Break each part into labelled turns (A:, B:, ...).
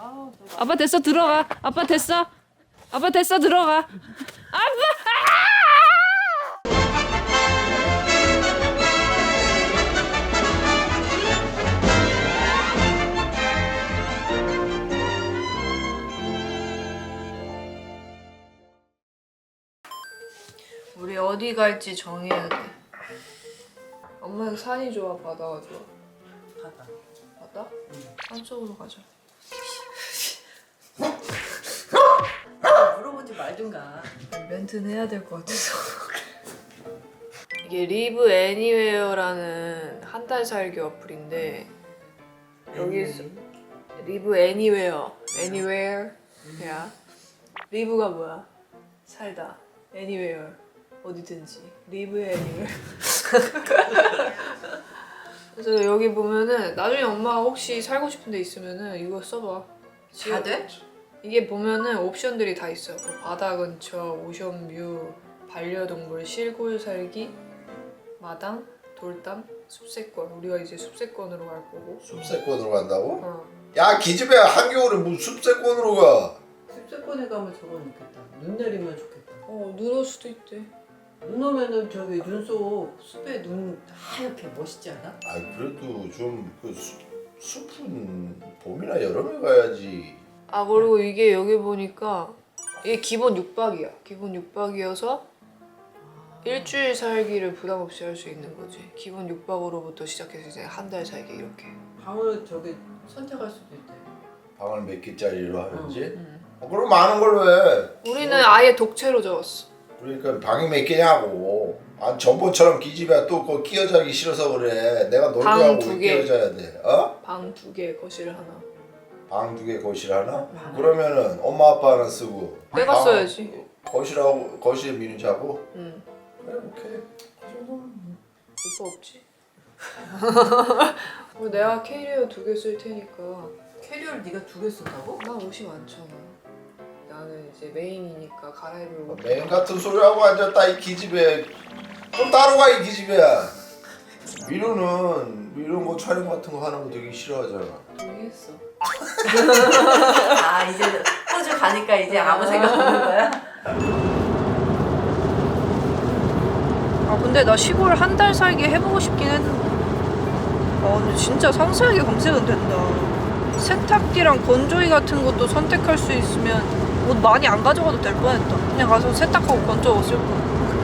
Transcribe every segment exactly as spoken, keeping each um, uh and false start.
A: 아빠 됐어 들어가. 아빠 됐어. 아빠 됐어 들어가. 아빠. 우리 어디 갈지 정해야 돼. 엄마는 산이 좋아, 바다가 좋아?
B: 바다.
A: 바다? 응. 산 쪽으로 가자.
B: 물어보지 말든가.
A: 멘트는 해야 될 것 같아서. 이게 리브 애니웨어라는 한 달 살기 어플인데 여기서 리브 애니웨어, 애니웨어. 야, 리브가 뭐야? 살다. 애니웨어. 어디든지. 리브 애니웨어. 그래서 여기 보면은 나중에 엄마가 혹시 살고 싶은 데 있으면은 이거 써봐.
B: 다 돼?
A: 이게 보면은 옵션들이 다 있어. 뭐 바다 근처, 오션뷰, 반려동물, 시골 살기, 마당, 돌담, 숲세권. 우리가 이제 숲세권으로 갈 거고.
C: 숲세권으로 간다고?
A: 어.
C: 야 기집애야 한겨울에 무슨 숲세권으로 가?
B: 습세권에 가면 저건 있겠다. 눈 내리면 좋겠다.
A: 어, 눈 올 수도 있대.
B: 눈 오면은 저기 눈 속 숲에 눈 하얗게 멋있지 않아?
C: 아 그래도 좀그 숲은 봄이나 여름에 가야지.
A: 아, 그리고 이게 여기 보니까 이게 기본 육 박이야. 기본 육 박이어서 일주일 살기를 부담 없이 할 수 있는 거지. 기본 육 박으로부터 시작해서 이제 한 달 살기 이렇게.
B: 방을 저기 선택할 수도 있대.
C: 방을 몇 개짜리로 하는지?
A: 응.
C: 어, 그럼 많은 걸로 해.
A: 우리는 아예 독채로 적었어.
C: 그러니까 방이 몇 개냐고. 아 전번처럼 기집애야 또 그거 끼어 자기 싫어서 그래. 내가 놀게
A: 방
C: 하고
A: 두
C: 왜
A: 개.
C: 끼어 자야 돼? 어?
A: 방 두 개, 거실 하나.
C: 방 두 개 거실 하나? 그러면은 엄마 아빠는 쓰고
A: 내가
C: 방-
A: 써야지.
C: 거실하고 거실에 미는 자고?
A: 응.
C: 그래 오케이. 그 정도는
A: 오빠 없지? 어, 내가 캐리어 두 개 쓸 테니까.
B: 캐리어를 네가 두 개 쓴다고?
A: 나 옷이 많잖아. 나는 이제 메인이니까 갈아입을 옷.
C: 맨 같은 소리 하고 앉았다 이 기집애. 좀 따로 가 이 기집애야. 민우는 이런 거 촬영 같은 거 하는 거 되게 싫어하잖아.
A: 동의했어.
B: 아 이제 호주 가니까 이제 아무 생각 없는 거야?
A: 아 근데 나 시골 한 달 살기 해보고 싶긴 했는데. 아 근데 진짜 상세하게 검색은 된다. 세탁기랑 건조기 같은 것도 선택할 수 있으면 옷 많이 안 가져가도 될 뻔했다. 그냥 가서 세탁하고 건져 옷 쓸 거.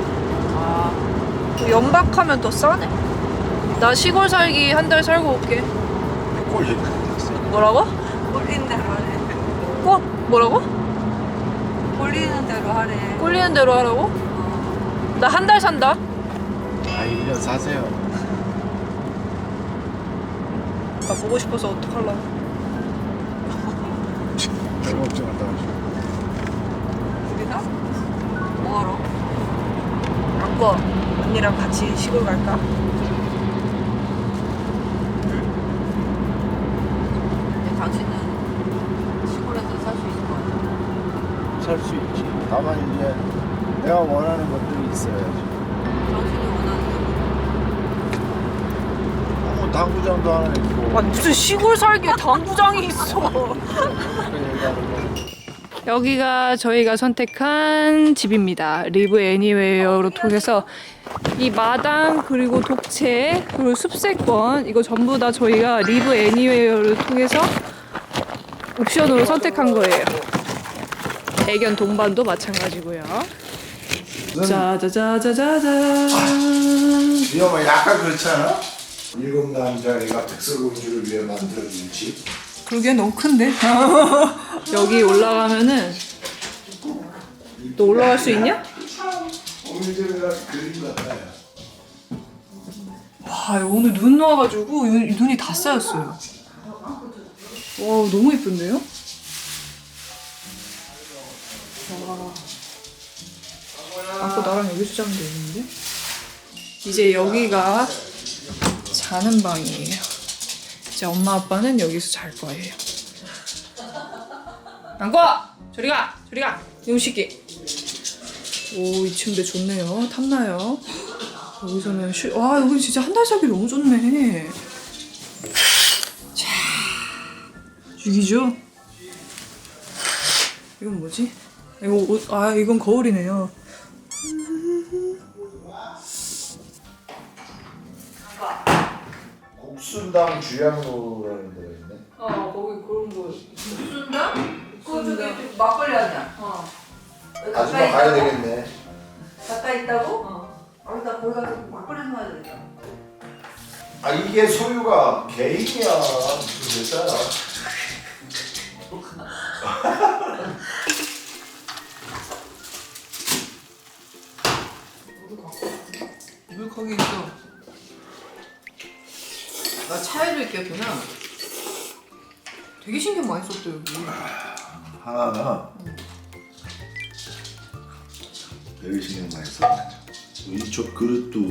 A: 아 연박하면 더 싸네. 나 시골 살기 한 달 살고 올게. 뭐라고?
B: 꼴리는 대로 하래.
A: 꼭 뭐라고?
B: 꼴리는 대로 하래.
A: 꼴리는 대로 하라고? 나 한 달 산다.
D: 아, 일 년 사세요.
A: 나 보고 싶어서 어떡하려고.
D: 별거 없지 않다.
A: 우리가? 뭐하러? 안꺼 언니랑 같이 시골 갈까?
B: 근데 당신은 시골에서 살 수 있을 것 같아.
D: 살 수 있지. 다만 이제 내가 원하는 것들이 있어야지.
B: 당신이 원하는 게
D: 뭐 당구장도 하나 있고.
A: 아니 무슨 시골 살기에 당구장이 있어.
D: 그 얘기하는 거.
A: 여기가 저희가 선택한 집입니다. 리브 애니웨어로 통해서 이 마당 그리고 독채 그리고 숲세권 이거 전부 다 저희가 리브 애니웨어를 통해서 옵션으로 선택한 거예요. 애견 동반도 마찬가지고요. 짜자자자자자.
C: 위험해 약간 그렇지 않아? 일곱 남자애가 백설공주를 위해 만들어준 집.
A: 그러기엔 너무 큰데? 여기 올라가면은 너 올라갈 수 있냐?
C: 오늘제가 그림 같아요.
A: 와 오늘 눈 와가지고 눈- 눈이 다 쌓였어요. 와 너무 예쁜데요? 와. 아까 나랑 여기서 자면 되는데? 이제 여기가 자는 방이에요. 이제 엄마 아빠는 여기서 잘 거예요. 안고! 저리 가! 저리 가! 이놈시끼. 오, 이 침대 좋네요. 탐나요. 여기서는 쉬... 와, 여기 진짜 한 달 살기 너무 좋네. 자, 죽이죠? 이건 뭐지? 이거 옷, 아 이건 거울이네요.
C: 국순당 주양로라는 데가 있네.
B: 어 거기 그런 거 순다? 그거 저기 막걸리 아니야? 어.
C: 아줌마 가야 되겠네.
B: 가까이 있다고?
A: 어.
B: 아, 나 거기 가서 막걸리 사야 되겠다.
C: 아 이게 소유가 개인이야. 무슨 됐다.
B: 물 거기 있어. 나 차에도 있겠구나. 되게 신경 많이 썼다 여기.
C: 하나는 되게 신경 많이 썼네. 이쪽 그릇도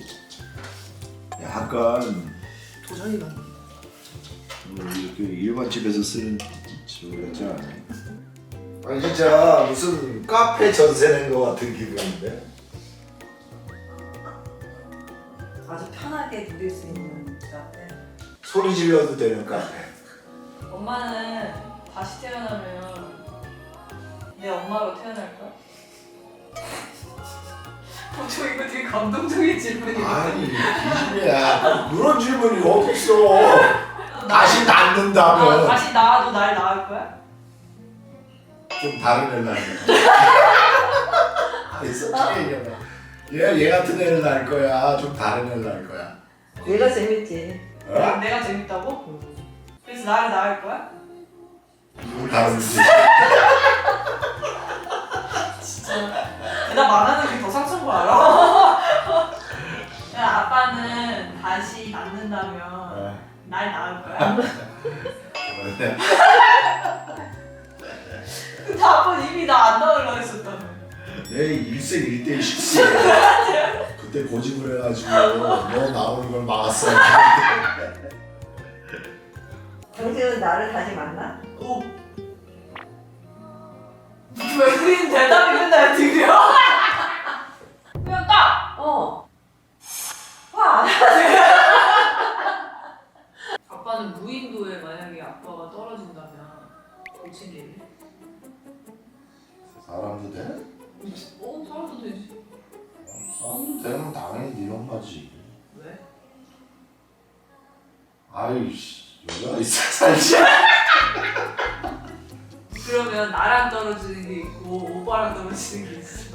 C: 약간
B: 도자기가.
C: 뭐 이렇게 일반 집에서 쓰는 저거 같지 않아요? 아니 진짜 무슨 카페 전세 낸 거 같은 기분인데?
B: 아주 편하게 누릴 수 있는 카페.
C: 소리 질러도 되는 카페.
A: 엄마는 다시 태어나면 내 엄마로 태어날 거야? 어, 저 이거 되게 감동적인 질문이에요.
C: 아니 기집애야 그런 질문이 어딨어. 다시 낳는다면
A: 어, 다시 낳아도 날 낳을 거야?
C: 좀 다른 애를 낳는 아니 솔직히 얘기하면 얘, 얘 같은 애를 낳을 거야 좀 다른 애를 낳을 거야.
B: 얘가 재밌지.
C: 어?
A: 내가 재밌다고? 그래서 나를 낳을 거야?
C: 누구 다른지.
A: 나 말하는 게 더 상처인 거 알아? 야, 아빠는 다시 낳는다면 날 낳을 거야? 근데 아빠는 이미 나 안 낳으려고 했었다며.
C: 내 일생일대십시 그때 고집을 해가지고 너 나오는 걸 막았어.
B: 정세훈 나를 다시 만나?
A: 오. 왜 그린 대답이 맨날 드려? 그냥 딱!
B: 어. 와.
A: 아빠는 무인도에 만약에 아빠가 떨어진다면 고친 일이?
C: 사람도 돼?
A: 어? 살아도 되지.
C: 사람도 되면 당연히 네 엄마지.
A: 왜?
C: 아이씨 여자가 있어 살지.
A: 그러면 나랑 떨어지는 게 있고 오빠랑 떨어지는 게 있어.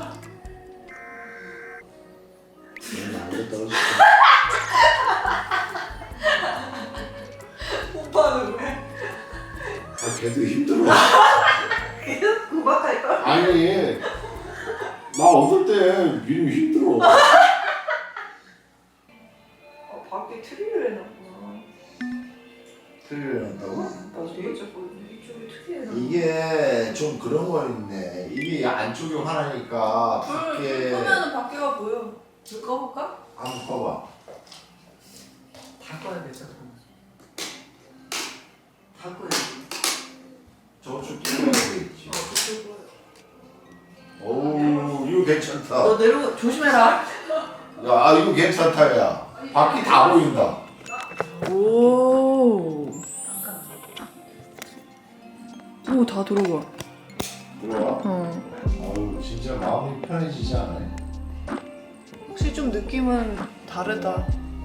C: 나한테 떨어졌어.
A: 오빠는 왜?
C: 아 걔도 힘들어.
B: 계속 구박할걸?
C: 아니 나 어떨 때 미리 힘들어.
A: 아, 밖에 트리를 해놨구나.
C: 틀리려 한다고?
A: 나 되게 자꾸 이쪽에 트리 해놨
C: 이게 좀 그런 거 있네. 이게 안쪽이 화나니까 밖에
A: 끄면은 밖에가 보여. 불 꺼볼까?
C: 한번 꺼봐.
B: 다 꺼야 되잖아. 다 꺼야지.
C: 저쪽 끼고 있지.
A: 그쪽으로.
C: 어우 이거 괜찮다.
B: 너 내려 조심해라.
C: 야 아, 이거 괜찮다 야. 밖이 다 보인다.
A: 오. 오, 다 들어가.
C: 들어와.
A: 어.
C: 어우 진짜 마음이 편해지지 않아요?
A: 혹시 좀 느낌은 다르다.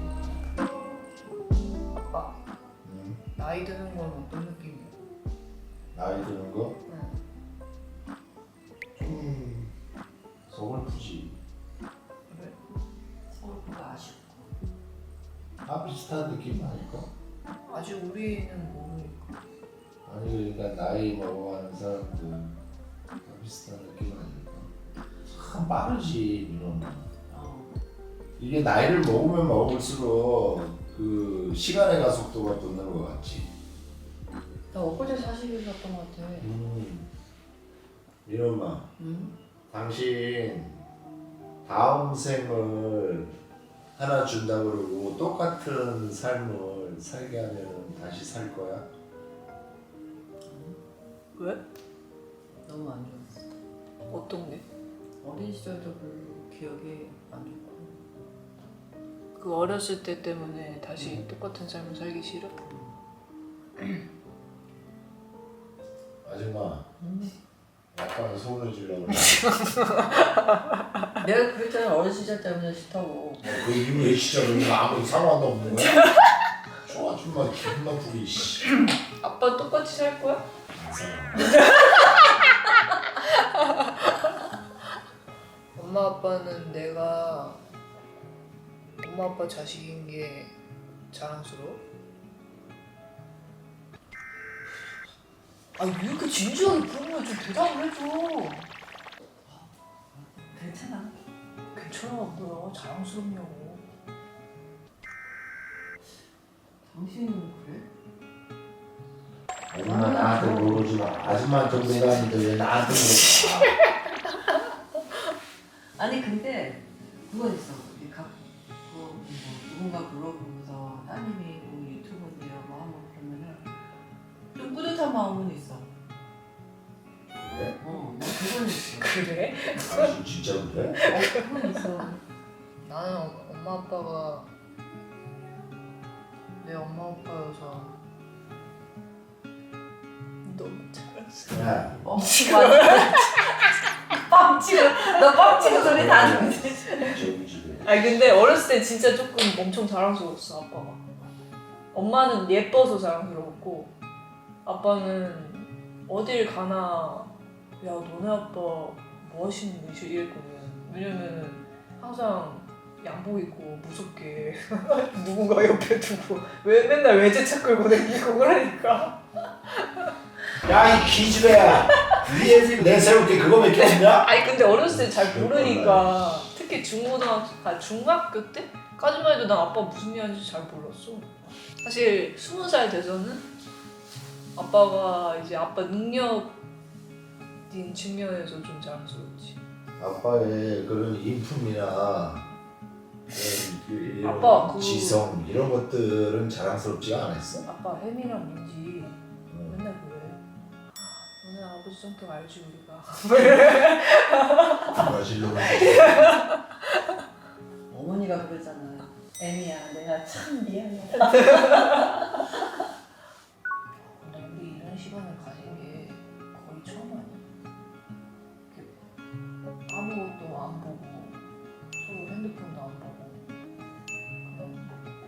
A: 아빠,
C: 응.
A: 나이 드는 건 어떤 느낌이야?
C: 나이 드는 거?
A: 응.
C: 좀 서글프지.
A: 그래?
B: 서울보다 아쉽고.
C: 다 비슷한 느낌 아닐까?
A: 아직 우리는 모르니까.
C: 아니 그러니까 나이 먹어가는 사람들 다 비슷한 느낌 아닐까? 참 빠르지 민호는.
B: 어.
C: 이게 나이를 먹으면 먹을수록 그 시간의 가속도가 붙는 것 같지.
B: 나 엊그제 사십일 갔던 것 같아.
C: 음. 민호마,
B: 응?
C: 당신 다음 생을 하나 준다 그러고 똑같은 삶을 살게 하면 다시 살 거야?
A: 왜?
B: 너무 안 좋았어.
A: 어떤 게?
B: 어린 시절도 별로 기억이 안 좋고.
A: 그 어렸을 때 때문에 다시 똑같은 삶을 살기 싫어?
C: 아줌마,
B: 응?
C: 약간 소문을 지르려고 그래.
B: 내가 그랬잖아 어린 시절 때문에 싫다고.
C: 그 이후에 진짜 너는 아무 상관도 없는 거야? 저 아줌마 기분 나쁘게 씨.
A: 아빠 똑같이 살 거야?
C: 안 살아.
A: 엄마 아빠는 내가 엄마 아빠 자식인 게 자랑스러워?
B: 아왜 이렇게 진지하게 물으면 좀 대답을 해줘. 괜찮아.
A: 괜찮아 뭐야 자랑스럽냐고.
B: 당신은 그래?
C: 엄마 나한테 물어보지 마. 아줌마한테 물어봤는데 왜 나한테 물어봐?
B: 아니 근데 그건 있어. 우리 각 뭐, 뭐 누군가 물어보면서 따님이 뭐 유튜브인데요 뭐 하면 그러면은 좀 뿌듯한 마음은 있어.
C: 그래?
B: 어, 나 그건 있어.
A: 그래?
C: 당신 진짜 그래?
B: 어, 그건 있어.
A: 나는 엄마 아빠가 내 엄마 아빠여서 너무 자랑스러워.
C: 야,
B: 뻥치고 뻥치고 너 뻥치고 소리 다 듣지.
C: 저기 집에.
A: 아니 근데 어렸을 때 진짜 조금 엄청 자랑스러웠어 아빠가. 엄마는 예뻐서 자랑스러웠고 아빠는 어딜 가나 야 너네 아빠 뭐 하시는 분이시 이랬거든. 왜냐면은 항상 양복 입고 무섭게 누군가 옆에 두고 왜 맨날 외제차 끌고 다니고 그러니까.
C: 야, 이 기집애야. 위에 내세울 게 그거밖에 없냐?
A: 아니 근데 어렸을 때 잘 모르니까 특히 중고등학교, 아 중학교 때까지만 해도 난 아빠 무슨 일 하는지 잘 몰랐어. 사실 스무 살 돼서는 아빠가 이제 아빠 능력인 측면에서 좀 자랑스러웠지.
C: 아빠의 그런 인품이나 그런 이런
A: 아빠, 그-
C: 지성 이런 것들은 자랑스럽지가 않았어?
A: 아빠 혜미랑 민지
C: 응.
A: 맨날 그래. 아, 너네 아버지 성격 알지 우리가.
C: 브라질로
B: 어머니가 그러잖아. 애미야, 내가 참 미안해.
A: 근데 우리 이런 시간을 가진 게 거의 처음 아니야? 이렇게 아무것도 안 보고 서로 핸드폰도 안 보고 그냥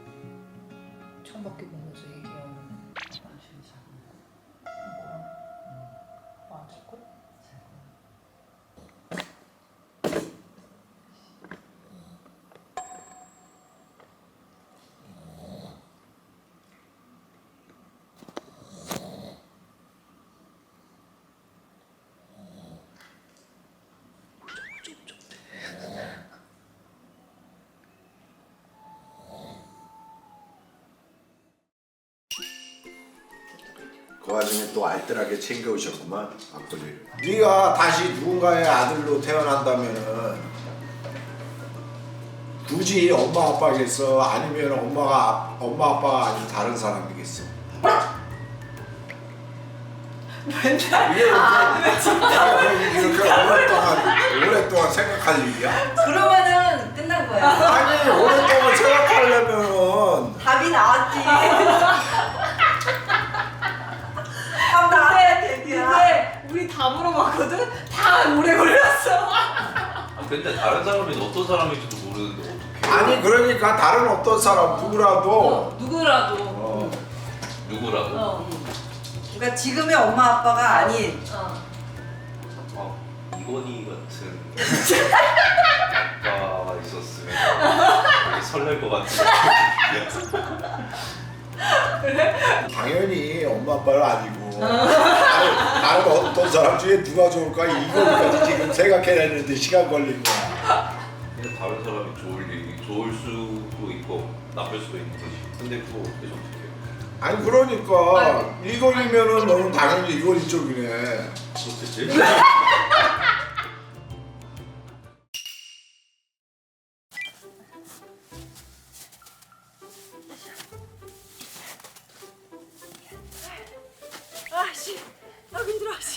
A: 창밖에 보면서 얘기하는
B: 당신이 잘
A: 거랑 안 잘걸?
C: 그 와중에 또 알뜰하게 챙겨오셨구만 막걸리를. 네가 다시 누군가의 아들로 태어난다면은 굳이 엄마 아빠겠어? 아니면 엄마가 엄마 아빠가 아닌 다른 사람이겠어? 이게 이렇게, 이렇게 오랫동안 오랫동안 생각할 일이야?
B: 그러면은 끝난 거야.
C: 아니 오랫동안 생각하려면
B: 답이 나왔지. 답 나와야 돼.
A: 근데 우리 다 물어봤거든? 다 오래 걸렸어.
E: 아, 근데 다른 사람이 어떤 사람인지도 모르는데 어떻게?
C: 아니 그러니까 다른 어떤 사람 누구라도
A: 누구라도
C: 어,
E: 누구라도?
A: 어.
B: 그러니까 지금의 엄마 아빠가 아닌
A: 어.
E: 아, 이건희 같은 아빠가 있었으면 되게 설렐 것 같은.
C: 당연히 엄마 아빠는 아니고 다른, 다른 어떤 사람 중에 누가 좋을까 이거까지 지금 생각해냈는데 시간 걸린 거야.
E: 근데 다른 사람이 좋을 일, 좋을 수도 있고 나쁠 수도 있는 거지. 근데 그거 어떻게 선택해?
C: 아니 그러니까 이걸이면은 너는 당연히 이걸 쪽이네.
E: 그렇겠지?
B: 아씨, 나 힘들어 씨.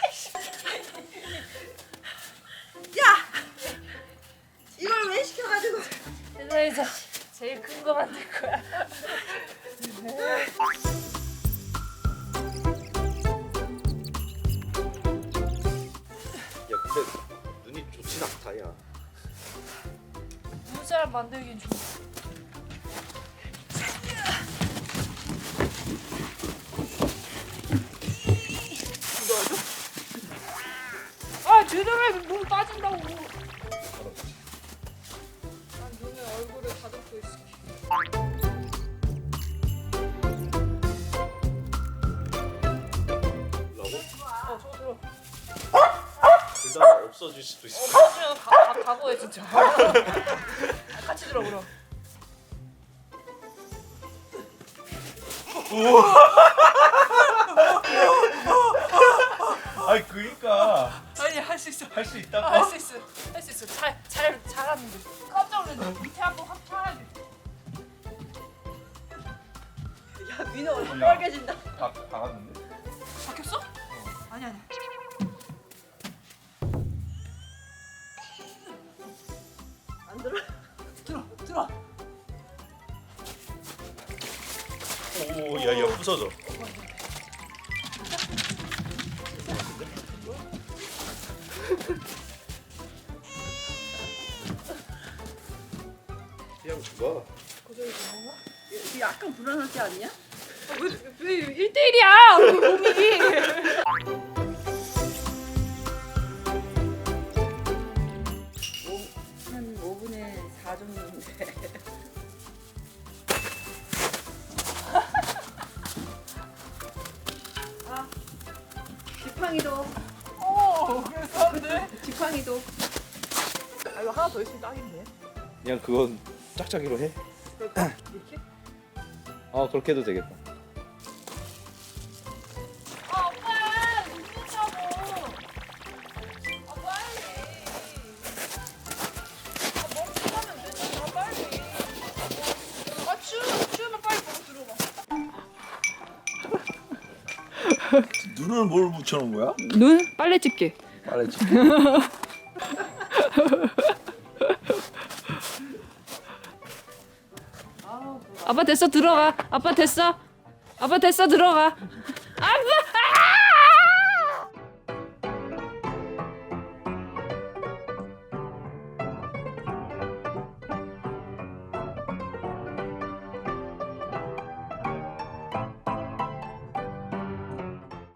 B: 야, 이걸 왜 시켜가지고?
A: 세상에서 제일 큰 거 만들 거야.
C: 다야.
A: 눈사람 만들긴 좋아. 아 제대로 몸 빠진다고. 난 눈에 얼굴을 가득고 있어. 어 저거 들어.
E: 그다음 없어질 수도 있어.
A: 없어지면 가, 가, 각오해 진짜. 같이 들어 그럼.
E: 아니 그니까
A: 아니 할 수 있어.
E: 할 수 있다고.
A: 할 수 있어. 할 수 있어. 잘, 잘, 잘하는데. 깜짝 놀랐네. 밑에 한번 확 쳐야 돼.
B: 야 민호 얼굴
E: 야.
B: 빨개진다.
E: 다 박았는데.
A: 바뀌었어? 아니 아니.
B: 안 들어?
A: 들어, 들어.
E: 오, 야, 야, 부서져.
C: 그냥 죽어.
B: 약간 불안하지 않냐?
A: 왜 일 대일이야? 우리 몸이.
B: 한 오 분에 사 정도인데. 아, 지팡이도,
A: 어, 그래서 근데.
B: 지팡이도.
A: 아 이거 하나 더 있으면 딱인데.
F: 그냥 그건 짝짝이로 해.
A: 그럴까? 이렇게?
F: 어 그렇게 해도 되겠다.
A: 아 오빠 웃는다고. 아 빨리. 아 멈춰가면 되지. 아 빨리. 아 추우면 추우면 빨리 먹어 들어가.
F: 눈을 뭘 붙여놓은 거야?
A: 눈 빨래 집게.
F: 말했지.
A: 아빠 됐어 들어가. 아빠 됐어. 아빠 됐어 들어가. 아빠.